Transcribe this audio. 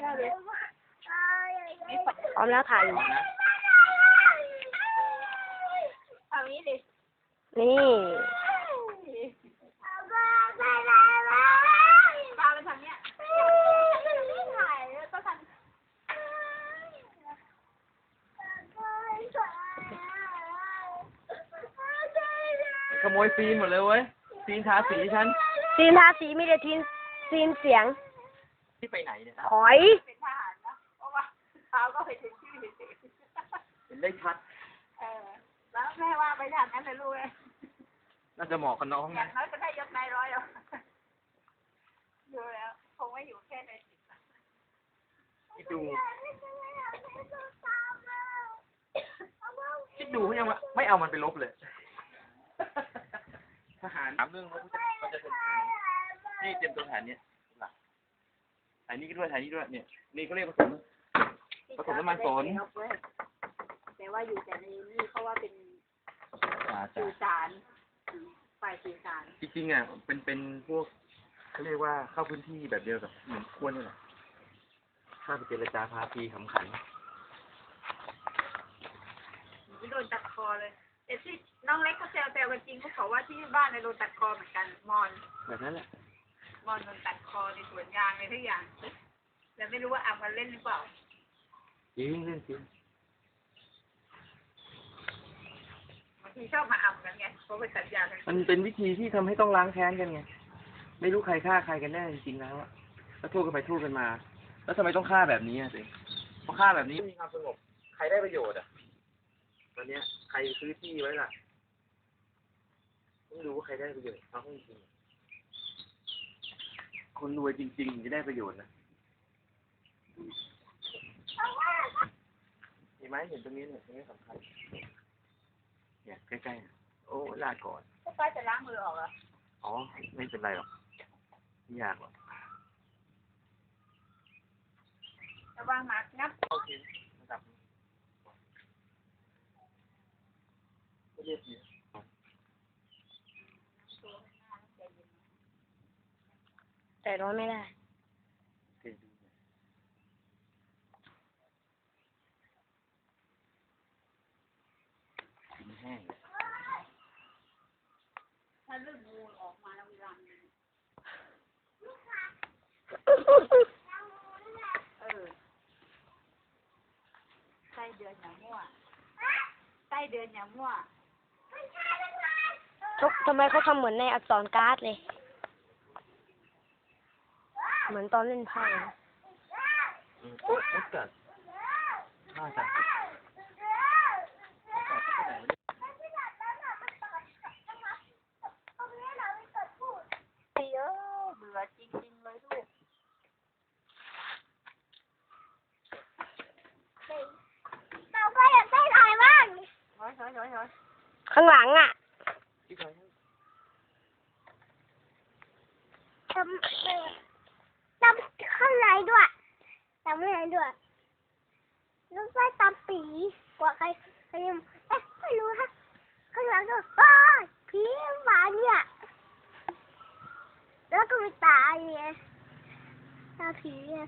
ได้เลยพร้อมแล้วถ่ายอยู่เอางี้ดินี่ตาไปทางเนี้ยถ่ายแล้วก็ทำขโมยฟิล์มหมดเลยเว้ยฟิล์มทาสีฉันซีนทาสีมีแต่ซีนเสียงที่ไปไหนเนี่ยถอยเป็นทหารนะเพราะว่าเท้าก็ไปถึงชื่อเห็นได้ชัดแล้วแม่ว่าไปทางนั้นเลยลูกเลยน่าจะเหมาะกับน้องอนะย่างน้อยก็ได้ยศนายร้อยแล้วดูแล้วคงไม่อยู่แค่ในคิดดูเขายังไม่เอามันไปลบเลยทหารถามเรื่องว่าเขาจะเป็นนี่เตรียมตัวทหารเนี่ยถ่ายนี่ก็ด้วยถ่ายนี่ด้วยเนี่ยนี่เขาเรียกผสมน้ำมันสนแต่ว่าอยู่แต่ในนี่เขาว่าเป็นสื่อสารฝ่ายสื่อสารจริงๆอ่ะเป็นพวกเขาเรียกว่าเข้าพื้นที่แบบเดียวกับเหมือนควนนี่แหละข้าไปเจรจาพาพีขำขันโดนตัดคอเลยแต่ที่น้องเล็กเขาแซวกันจริงเขาบอกว่าที่บ้านในโดนตัดคอเหมือนกันมอนแบบนั้นแหละมอนโดนตัดคอในสวนยางในทุกอย่างแต่ไม่รู้ว่าอับกันเล่นหรือเปล่าจริงเรื่องจริงบางทีชอบมาอับกันไงเพราะไปสัญญากันมันเป็นวิธีที่ทำให้ต้องล้างแค้นกันไงไม่รู้ใครฆ่าใครกันแน่จริงๆแล้วอะแล้วโทษกันไปโทษกันมาแล้วทำไมต้องฆ่าแบบนี้อ่ะสิเพราะฆ่าแบบนี้มีความสงบใครได้ประโยชน์อ่ะตอนเนี้ยใครซื้อที่ไว้ล่ะต้องดูว่าใครได้ประโยชน์เอาให้จริงคนรวยจริงๆจะได้ประโยชน์นะเห็นไหมเห็นตรงนี้เนี่ยตรงนี้สำคัญเนี่ยใกล้ๆโอ้ลาก่อนป้าจะล้างมือออกเหรออ๋อไม่เป็นไรหรอกไม่ยากหรอกระวังหมางับโอเคระดับไม่เรียบเยอะแต่ร้อนไม่ได้แห้งถ้าเลือดงูออกมาแล้วเวลาไส้เดือนอย่างมั่วไส้เดือนอย่างมั่วทำไมเขาทำเหมือนในอักษรการ์ดเลยเหมือนตอนเล่นไพ่โอ๊ยกัดน่าจะเบื่อจริงๆเลยลูกเราก็อยากได้ถ่ายบ้างน้อยข้างหลังอ่ะทำข้างในด้วยทำข้างในด้วยแล้วก็ตามปีกว่าใครยังไม่รู้ฮะข้างหลังก็ผีหวานเนี่ยแล้วก็มีตาเนี่ยตาผี